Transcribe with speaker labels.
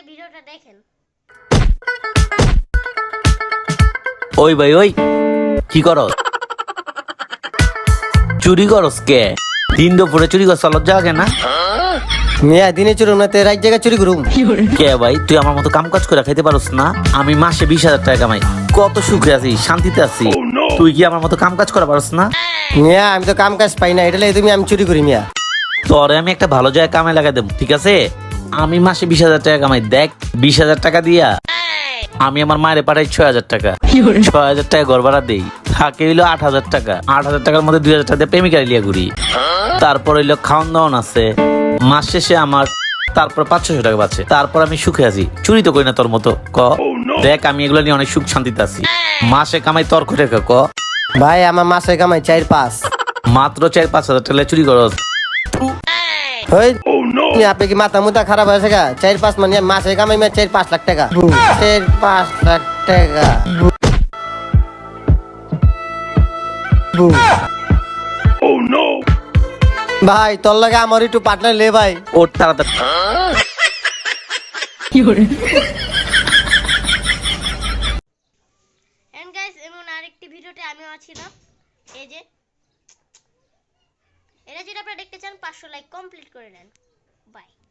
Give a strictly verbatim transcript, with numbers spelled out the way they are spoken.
Speaker 1: ভিডিওটা দেখেন।
Speaker 2: ওই ভাই ওই কি করস? চুরি করস কে? দিন দুপুরে চুরি করছ লজ্জা লাগে না?
Speaker 3: মিয়া দিনে চুরি না তে রাত জায়গা চুরি করুম।
Speaker 2: কে ভাই তুই আমার মতো কাম কাজ করে খাইতে পারস না? আমি মাসে বিশ হাজার টাকা কামাই, কত সুখে আছি, শান্তিতে আছি। তুই কি আমার মতো কাম কাজ করা পারস না?
Speaker 3: মিয়া আমি তো কাম কাজ পাই না, এটা লাই তুমি আমি চুরি করি মিয়া।
Speaker 2: তোরে আমি একটা ভালো জায়গায় কামে লাগাই দেব, ঠিক আছে? আমি মাসে বিশ হাজার টাকা কামাই, দেখ বিশ হাজার টাকা দিয়া আমি আমার মায়ের পাঠাই ছয় হাজার টাকা, ছয় হাজার টাকা ঘর ভাড়া দেই, থাকে হইলো আট হাজার টাকা, আট হাজার টাকার মধ্যে দুই হাজার টাকা দিয়ে প্রেমিকা লিয়া ঘুরি, তারপর হইলো খাওয়ান দাওয়ান আছে, মাস শেষে আমার তারপর পাঁচশো টাকা বাঁচে, তারপর আমি সুখে আছি। চুরি তো করি না তোর মতো, ক দেখ আমি এগুলো নিয়ে অনেক সুখ শান্তিতে আছি। মাসে কামাই তোর করে ক
Speaker 3: ভাই আমার মাসে কামাই চার পাঁচ,
Speaker 2: মাত্র চার পাঁচ হাজার টাকা চুরি করস।
Speaker 3: ওই আপনি কি মাথা মুথা খারাপ হয়েছে গা? চার পাঁচ মানে মাসে কামাই মিয়া চার পাঁচ লাখ টাকা, চার পাঁচ লাখ টাকা। ভাই তোর লাগে আমার একটু পার্টনার লে ভাই।
Speaker 2: ওর তাড়াতাড়ি
Speaker 1: এন্ড গাইস এমন আরেকটি ভিডিওতে আমিও আছিলাম। এই যে এটা যদি আপনারা দেখতে চান পাঁচশো লাইক কমপ্লিট করে নেন। বাই।